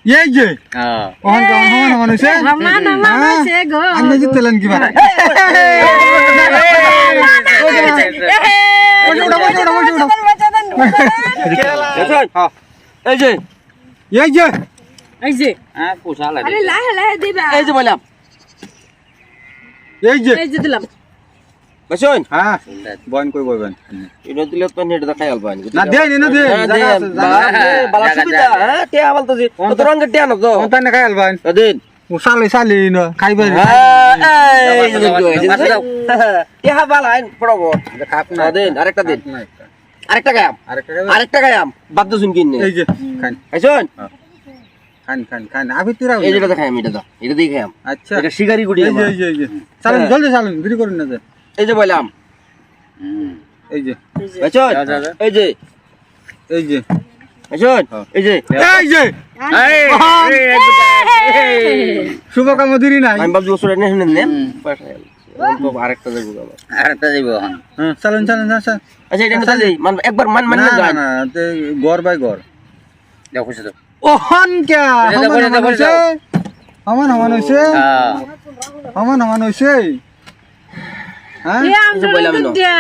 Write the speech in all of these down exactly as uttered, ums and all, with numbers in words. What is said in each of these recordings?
এই যে ওহন কেমন হমান হমান হইছে রমান রমান হইছে গো আপনি জিতলেন কি বারে এই যে এই যে এই যে হ্যাঁ পোষা লাগে আরে লাহে লাহে দিবা এই যে বললাম এই যে এই যে দিলাম বসুন হ্যাঁ বয়ন কই বইবেন এটা দিলে তো নেট দেখাই আলবা না দেই না দেই জায়গা আছে জায়গা বালা সুবিধা হ্যাঁ কে আবাল তো কত রঙের টিয়া না তো কোনটা না খাই আলবান দিন সালে সালে না খাইবে এই যে টিয়া বালা আইন পড়বো খাপ না দিন আরেকটা দিন আরেকটা গায়াম আরেকটা আরেকটা গায়াম বাদ দুন কিনে এই যে খান আইছুন খান খান খান আবি তিরা এই যেটা দেখাই আমি এটা দাও এটা দিয়ে খাইম আচ্ছা এটা শিকারি গুড়ি এই যে এই যে এই যে চালুন জলদি চালুন দেরি করুন না যে এই যে বললাম এই যে আইছুন এই যে এই যে আইছুন এই যে এই যে শুভকাম দিরি নাই আমি বাবু ওসরে নেন নেন তো আরেকটা দেব বাবা আরেকটা দিব হ্যাঁ চালুন চালুন চালুন আচ্ছা এটা নিতে দেই মান একবার মান মান না না না তে গর বাই গর দেখো তো ওহন কে বসে হমান দাও, বসে হইছে দাও। হমান হমান হইছে হ্যাঁ হমান হমান হইছে হ্যাঁ এ আমরা বললাম না। দিয়া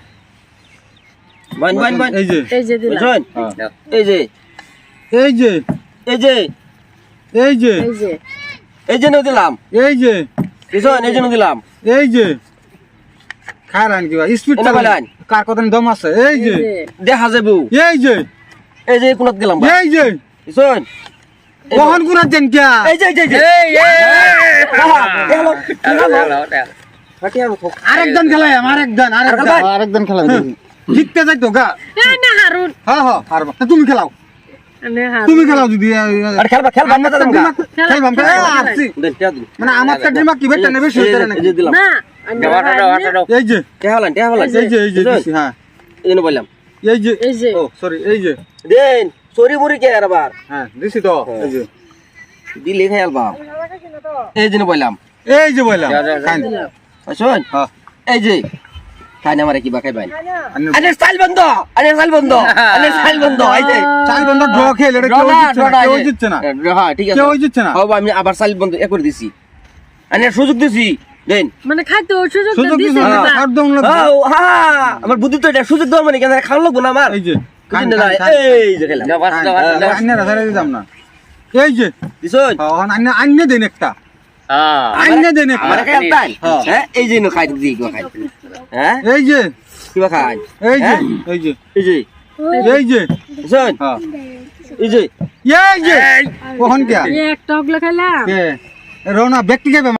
মান মান মান এই যে এই যে দিলাম আইছুন হ্যাঁ। এই যে এই যে এই যে এই যে এই যে এই যে নিয়ে দিলাম এই যে আইছুন এই যে নিয়ে দিলাম এই যে খারান কি স্পিড এনে চালান বলেন। কার কত দম আছে এই যে দেখা যাবো এই যে এই যে কোনাত গেলাম এই যে আইছুন ওহন গুনা দেন কে এই যে এই যে এই হ্যালো এই আরেকজন খেলাই আরেকজন আরেকজন আরেকজন খেলাই জিততে যাইতো গা এ না হারুন হ্যাঁ হ্যাঁ হারবা তুমি খেলাও নে হারুন তুমি খেলাও যদি আরে খেলবা খেলবা না দাদা খেলবাম আসছি দেন টিয়া দিন মানে আমার কাটিমা কি বেটা নেবে এই সেটা যে- না এই যে দিলাম না আমি এই যে টিয়া হলান টিয়া হলান এই যে এই যে দিছি, হ্যাঁ এই জন্য বললাম এই যে এই যে ও সরি এই যে দেন সরি মুরি কে আর আবার হ্যাঁ দিছি তো এই যে দিলে খাই আলবা এই জন্য বললাম এই যে বললাম খান আসুন হ্যাঁ এই যে খাই না মারে কি বা খাইবেন আনে- আরে স্টাইল বন্ধ আরে স্টাইল বন্ধ আরে স্টাইল বন্ধ এই যে চাল বন্ধ ড্র খেলে এটা কেউ জিতছে না কেউ জিতছে না হ্যাঁ ঠিক আছে কেউ জিতছে না হবে আমি আবার স্টাইল বন্ধ এ করে দিছি আরে সুযোগ দিছি দেন মানে খাইতে সুযোগ সুযোগ দিছে দিছে না দিবা আর দম লাগবে ও হ্যাঁ আমার বুদ্ধি তো এটা সুযোগ দাও মানে কেন খাওয়া লাগবো না আমার এই যে খান বুঝলেন না? খান, খান। এই যে খেলাম আন্নে রাখারে দিতাম না এই যে দিছুন হ্যাঁ আন্নে আন্নে দেন একটা হ্যাঁ আন্নে দেন একটা আমার খাই তাই হ্যাঁ। হ্যাঁ এই যে খাই দিই কি খাই হ্যাঁ এই যে কিবা খাই এই যে হ্যাঁ? এই যে এই যে এই যে দিছুন হ্যাঁ এই যে এই যে ওহন কে এক টকলা খাইলাম কে রওনা ব্যক্তি কে